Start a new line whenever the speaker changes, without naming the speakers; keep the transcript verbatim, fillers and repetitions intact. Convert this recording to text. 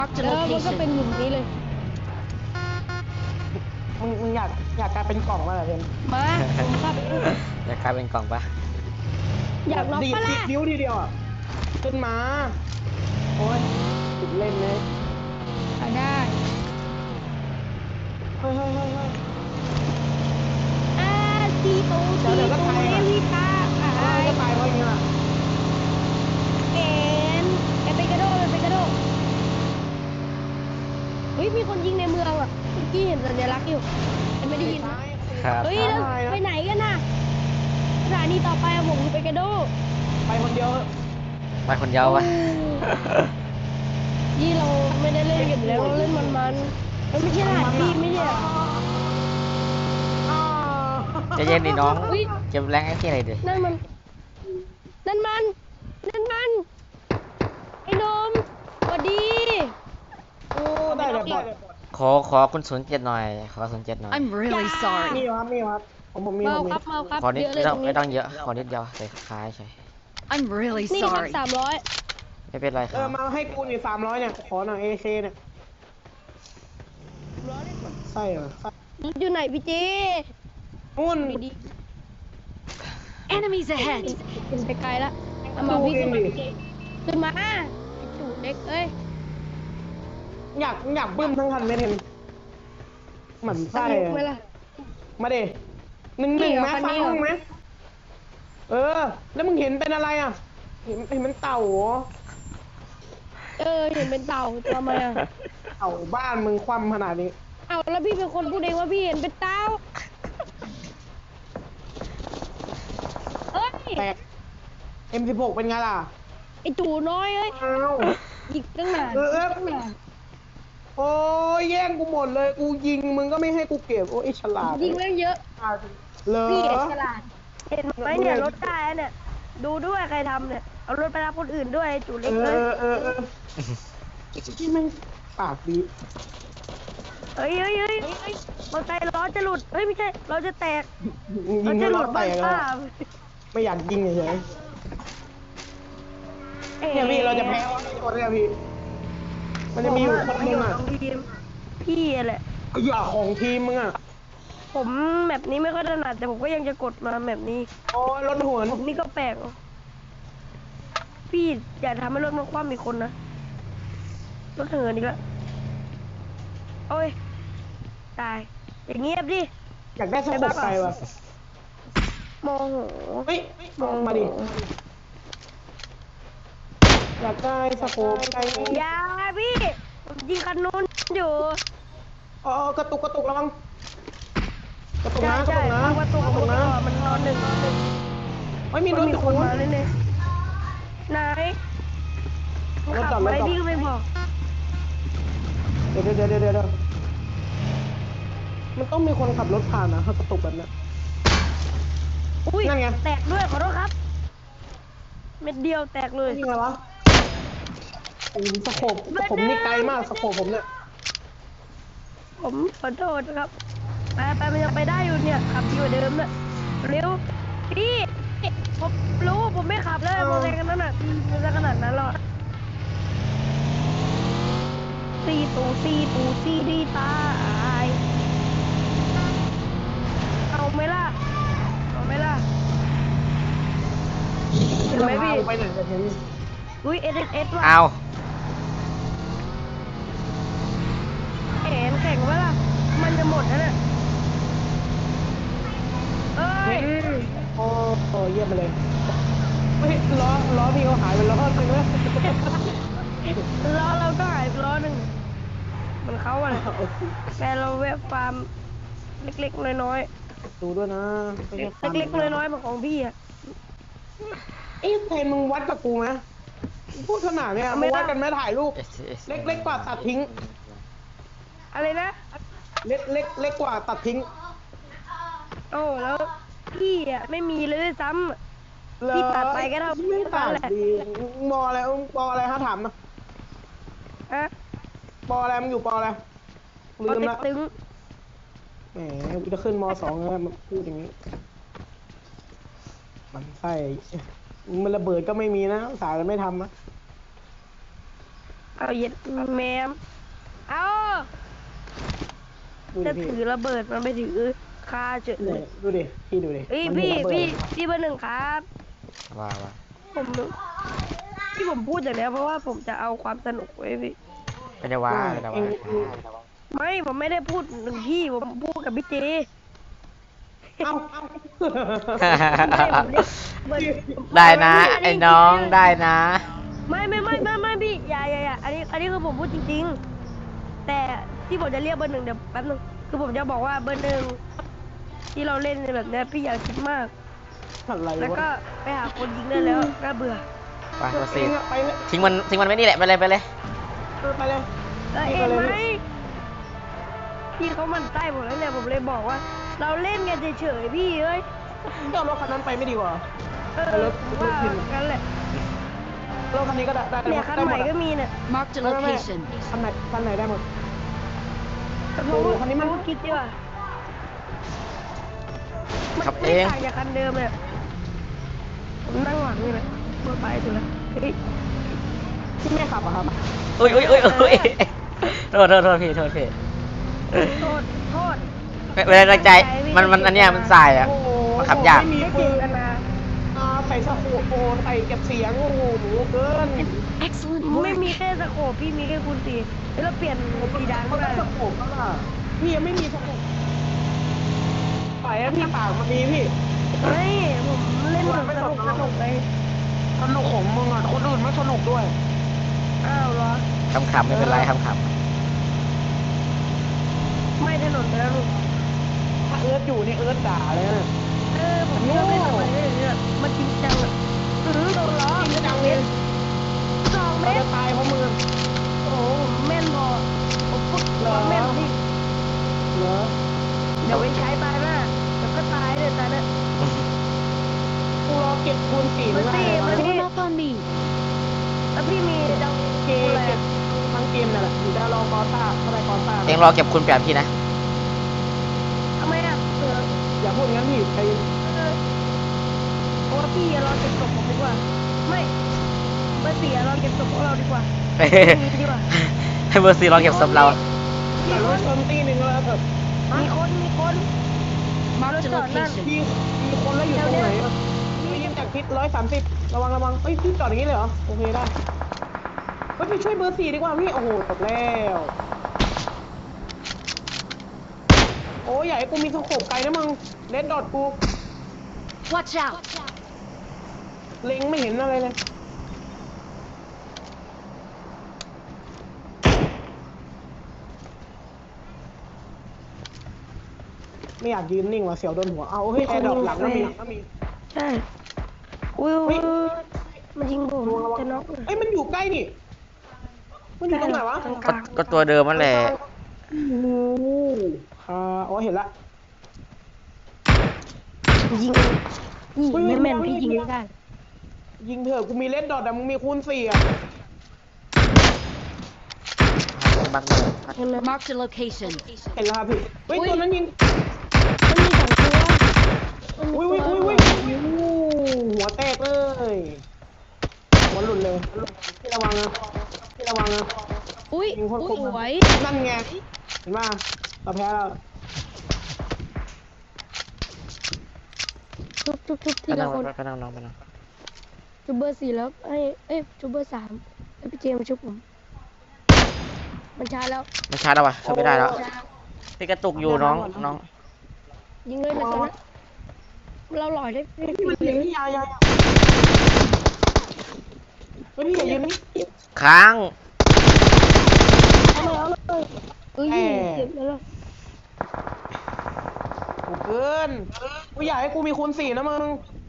แล้วมันก็เป็นหลุมนี้เลย
มึงมึงอยากอยากกลายเป็นกล่องมาเหรอเพื่อน
มาผมครับ
อยากกลายเป็นกล่องปะ
อยากน็อกปะล่ะ
ดิ้วทีเดียวอ่ะขึ้นมาโอ้ยติดเล่นเลย
ได้
เฮ้ยเฮ้ยเฮ้ยเฮ้ย
อ่าตีตูตีตูเอวิตาอ่า
จะตายเพราะอย่างเงี้ย
เอ็นเอ็นไปกระโดดไปกระโดดเฮ้ยมีคนยิงในเมืองอ่ะเมื่อกี้เห็นสัญลักษณ์อยู่ไม่ได้ยิน
ครับ
เฮ้ยไปไหนกันน่ะสถานีต่อไปผมไปกระโดด
ไปคนเดียว
ไปคนเดียววะ
ยี่เราไม่ได้เล่นกันแล้วเราเล่นมันมันมันไม่ใช่หาพี่ไม่ใช่
จะเย็นดิน้องจะแรงไอ้ที่อะไรดิ
นั่นมันนั่นมันนั่นมันไอ้นมสวัสดี
โอ้ได้แบบ
ขอขอคุณศูนย์เจ็ดหน่อยขอศูนย์เจ็ดหน่อย
I'm really sorry
มีครับมีครับผมผมมี
มา
ผมมี
ครับมาครับ
ขอนิดไม่ต้องไม่ต้องเยอะขอนิดเดียวใส่คล้ายใช่
I'm really
นี่ครับ
sorry
สามร้อย
ไม่เป็นไรค
เอ
รั
อบ มาให้กูนี่สามร้อยเนี่ยขอหน่อยเอเคเนี่ยใช่เหรอ
อยู่ไหนพี่เจ
นู่น
ดี
Enemies ahead
ขึ้นไปไกลละเอามาพี่ขึ้นมาขึ้นมาจูเด็กเอ้ย
อยากอยากบึ้มทั้งคันไม่เห็นเหมือนไส้มาเดหนึ่งหนึ่งไหมฟังมึงไหมเออแล้วมึงเห็นเป็นอะไรอ่ะเห็นเห็นเป็นเต่าเหรอ
เออเห็นเป็นเต่าทำไมอ่ะ
เต่าบ้านมึงคว่ำขนาดนี้
เอาแล้วพี่เป็นคนพูดเองว่าพี่เห็นเป็นเต่าเอ้ย
แตก เอ็ม สิบหก เป็นไงล่ะ
ไอจูน้อยเอ้ยยิงตั้งนานตั้งนาน
โอ้ยแย่งกูหมดเลยกูยิงมึงก็ไม่ให้กูเก็บโอ้ยฉลาด
ยิงเรื่องเยอะ
เลย
พี่ฉลาดเห็นไหมเนี่ยรถได้เนี่ยดูด้วยใครทำเนี่ยเอารถไปรับคนอื่นด้วยจูเล็กเลย
เออเออเออที่แม่งปากดี
เฮ้ยเฮ้ยเฮ้ยมอเตอร์ไซค์ล้อจะหลุดเฮ้ยไม่ใช่ล้อจะแตก
ยิงจะหลุดแตกแล้วไม่อยากยิงเฉยเนี่ยพี่เราจะแพ้ตัวเนี่ยพี่มันจะมีอยู่คนนึงอ่ะ
พี่แหละ
อย่าของทีมมึงอ่ะ
ผมแบบนี้ไม่ค่อยถนัดแต่ผมก็ยังจะกดมาแบบนี้
โอ้รถหัว
ผมนี่ก็แปลกพี่อย่าทำให้รถมันคว่ำมีคนนะรถเหินอีกแล้วโอ้ยตายอย่างเงียบดิ
อยากได้สกปรกไปวะ
มอง
เฮ้ยมองมาดิอยากได้สโคปไป
อย่าพี่ผมยิงคันนู้นอยู่
อ๋อกระตุกกระตุกแล้วมั้งกระตุกนะกระตุกนะ
กระตุกกระตุกนะมันนอนหนึ่ง
ไม่มีรถ
คนมาเลยเนี่ยไหนขับไปพี่ก็ไม่บอก
เดี๋ยวเดี๋ยวเดี๋ยวเดี๋ยวมันต้องมีคนขับรถผ่านนะถ้ากระตุกแบบนี้
อุ้ยนั่นไงแตกด้วยขอโทษครับเม็ดเดียวแตกเลย
นี่ไงวะโอ้สโคปผมนี่ไกลมากสโคปผมเนี่ย
ผมขอโทษครับไปไปมันยังไปได้อยู่เนี่ยขับดีกว่าเดิมเนี่ยเร็วพี่ผมรู้ผมไม่ขับเลยมอเตอร์ไซค์กันนั่นน่ะมันจะขนาดนั้นหรอซีตูซีตูซีดีตายเอาไหมล่ะเอาไหมล่ะ
เห็นไหมพี่ไปไหนจะเห็น
อุ้ยเอสเอสว่ะ
เอา
เอ็นแข่งวะล่ะมันจะหมดแล้วเนี่ยเอ้ย
โอ้โหเยี่ยมไปเลยไม่ล้อล้อพี่เขาหายไปล้อนึงแล้ว
ล้อเราก็หายไปล้อหนึ่งมันเขาอะไรแต่เราแวะฟาร์มเล็กๆน้อย
ๆดูด้วยนะ
เล็กๆน้อยๆมันของพี่อะ
เอ๊ะเพนมึงวัดกับกูไหมพูดขนาดเนี้ยมึงวัดกันไหมถ่ายรูปเล็กๆกว่าตัดทิ้ง
อะไรนะ
เล็กเล็กเล็กกว่าตัดทิ้ง
โอ้แล้วพี่อ่ะไม่มีเลยด้วยซ้ำพี่ตัดไปก็เท่า
ไม่ตัดดีมออะไรปออะไรฮะถามนะ
อะ
ปออะไรมึงอยู่ปออะไร
ลืมละตึง
แหมกูจะขึ้นมสองแล้วมาพูดอย่างนี้มันใช่มันระเบิดก็ไม่มีนะสายมันไม่ทำนะ
เอาเย็ดแมมเอา
ดู
จะ
ดิ
ถื
พี่
อระเบิดมันไปถือคาเฉย
เนี่ยดูดิพี่ดูดิ
เฮ้ย
มัน
พี่
ระเบิด
พี่พี่เบอร์หนึ่งครับ
ว่าว่า
ผมที่ผมพูดอย่างนี้เพราะว่าผมจะเอาความสนุกไว้พี่
ไม่ได้ว่าไม่ได้
เอ
ว่า
ง
ไม่ผมไม่ได้พูดหนึ่งพี่ผมพูดกับพี่เจ
เอ้า
ไม่ผมเรียกเบอร์
ได้นะไอ้น้องได้นะ
ไม่ไม่ไม่ไม่ไม่พี่อย่าอย่าอย่าอันนี้อันนี้คือผมพูดจริงๆ แต่ที่ผมจะเรียกเบอร์หนึ่งเดี๋ยวแป๊บนึงคือผมจะบอกว่าเบอร์หนึ่งที่เราเล่นแบบเนี้ยพี่อย่าคิดมาก
อะไร
แล้ว
วะ
ก็ไปหาคนยิงได้แล้วน่าเบื่อ
ไปเบอร์สี่
ไปเลย
ทิ้งมันทิ้งมันไว้นี่แหละไปเลยไปเลย
เออไปเลย
เออ
พี่
เอ็
ก็
น
เลย
ไหมพี่เขามันใต้ผมแล้วเนี่ยผมเลยบอกว่า เราเล่นกันเฉยๆพี่เอ้ย
ก็เอารถคันนั้นไปไม่ดีกว่า
เออ
เอารถ
ผมว่า
ขึ้น
กันแหละ
รถคันนี้ก็ได้ได้
เนี่ยคัน
ได้
ใหม่
ดอะ
ก็มีเนี่ย
Marked a
ไม่ไม่ไม่
location.
คันไหนคันไหนได้หมด
แต่ผม
โอ้โห
ว่า
คันนี้มัน
ผมคิดดีกว่า
ขับเอ
ไม่
ง
ต่างจากคันเดิมเลยผมนั่งหลังนี่แหละเมื่อไปสุดแล้วเฮ้ย
ที่แม่ขับอะครับ
อุ้ยอุ้ยอุ้ยอุ้ยโทษโทษโทษพี่โทษพี่
โทษโทษ
เวลาตั้งใจมันมันอันเนี้ยมันสายอ่ะ
โอ้โห
มันขับยาก
ไม่มี
ไม่
ปื
เก่ง
น
กันนะ
อ่าใส่สะโพกโอใส่เก็บเสียงโอ้โหเกิน
Excellent
ไม่
work.
มีแค่สโคปพี่มีแค่คูณสี่แล้วเปลี่ยนสีดัง
เขา
ก็
ได้
ได้
สะโพกก็ล่ะพี่ยังไม่มีสะโพกปล่อยให้พี่ปากมันมีพี่
ไม่ผมเล่นแบบสนุกสนุกเลย
สนุกของมึงอ่ะคนอื่นไม่สนุกด้วย
อ้าวเหรอ
ขำๆไม่เป็นไรขำ
ไม่ถนนไปแล้วลูก
ถ้าเอิร์ธอยู่นี่เอิร์ธด่าเลยนะ
เออผมชอบเล่นแบบนี้เนี่ยมันจริงจังอ่ะอือโดนล้อ
จริงจัง
เม
เลย
ตรสองเม
เรา
ต
จะ
ร
ตายเพราะมึง
โอ้โหผมแม่นพอผมพูด
เหรอ
แม่นพี่
เหรอ
เดี๋ยวไปใช้ตายหน้าเดี๋ยวก็ตายเลยตายเนี่ย
กูรอเก็บคูณสี่ไม่ได้
มันสี่
Form up on me.
แล้วพี่มีดัง
เก
กู
ม
อะไร
เก็บทั้งเกมนั่นแหละอยู่ได้รอกอต้าเท่าไรกอต้า
ๆเองรอเก็บคุณแปดพี่นะ
ทำไมอ่ะเออ
อย่าพูดงั้นพี่ใจเย็น
เออเพราะว่าพี่อะเราเก็บศพผมดีกว่า ไม่เบอร์สี่อะเราเก็บศพของเราดีกว่ามีดีกว่า
ให้เบอร์สี่รอเก็บศพเรา
แต่รถชนตีหนึ่งแล้วเถอะ
มีคนมีคน
Marked a
จอดนั่น
location.
มีมีคนแล้วอยู่ตรงไหนอะมียิงจากทิศร้อยสามสิบระวังระวังเอ้ยพี่จอดอย่างนี้เลยเหรอโอเคได้เฮ้ยพี่ช่วยเบอร์สี่ดีกว่าพี่โอ้โหจบแล้วโอ้ยอย่าให้กูมีสโคปไกลนะมึงเล่นดอทกู
Watch out.
เล็งไม่เห็นอะไรเลยไม่อยากยืนนิ่งว่ะเสียวโดนหัวเอาเฮ้ยแอร์ดรอปหลังก็มีก็มี
ใช่อุ้ย
เฮ้ย
มันยิงผม
ระวังระวัง
จะน็อก
เอ้ยมันอยู่ใกล้นี่มันอยู่ตรงไหนวะ
กลางก
ก็
ลาง
ก็ตัวเดิมนั่นแหละ
โอ้โหอ่าอ๋อเห็นละ
ยิงนี่
เฮ้ย
ไม่แม่น
เฮ้ย
พี่ยิง
เฮ้ย
ไม่ได้
ยิงเถอะกูมีเลดดอทแต่มึงมีคูณสี่อ่ะ
บักเลย
เห็นไหม
Marked a location.
เห็นแล้วครับพี่เฮ้ยตัวนั้นยิง
มันมีสองตัวมันมี
อุ้ย
ตั
อุ้
วย
อุ้ยอุ้ยหัวแตกเลยหัวหลุดเลยพี่ระวังนะพี่ระวังนะ
Ui,
ยิงโคตรคม
ui, ui.
นั่นไงเห็นป่ะเราแพ้แล้ว
ทุบทุบทุบที
ไปนั่
ละ
ง
คน
ไปนั่งน้องไปนั่ง
จุบเบอร์สี่แล้วให้เอ้ยจุบเบอร์สามให้พี่เจมส์ชุบผม มันช้าแล้ว
ไม่ชาร์จแล้ววะช่วยไม่ได้แล้วพี่กระตุกอยู่น้องน้อง
ยิงเลยนะตอนนั้นเราหล่อยได้พี่
พี่มันยิงพี่ยายาเฮ้ยพี่อย่ายืนนี่
ค้าง
เอาเลยเอาเลยเอ้ยเจ็บแล้วล่ะ
กูเกินกูอยากให้กูมีคูณสี่นะมึง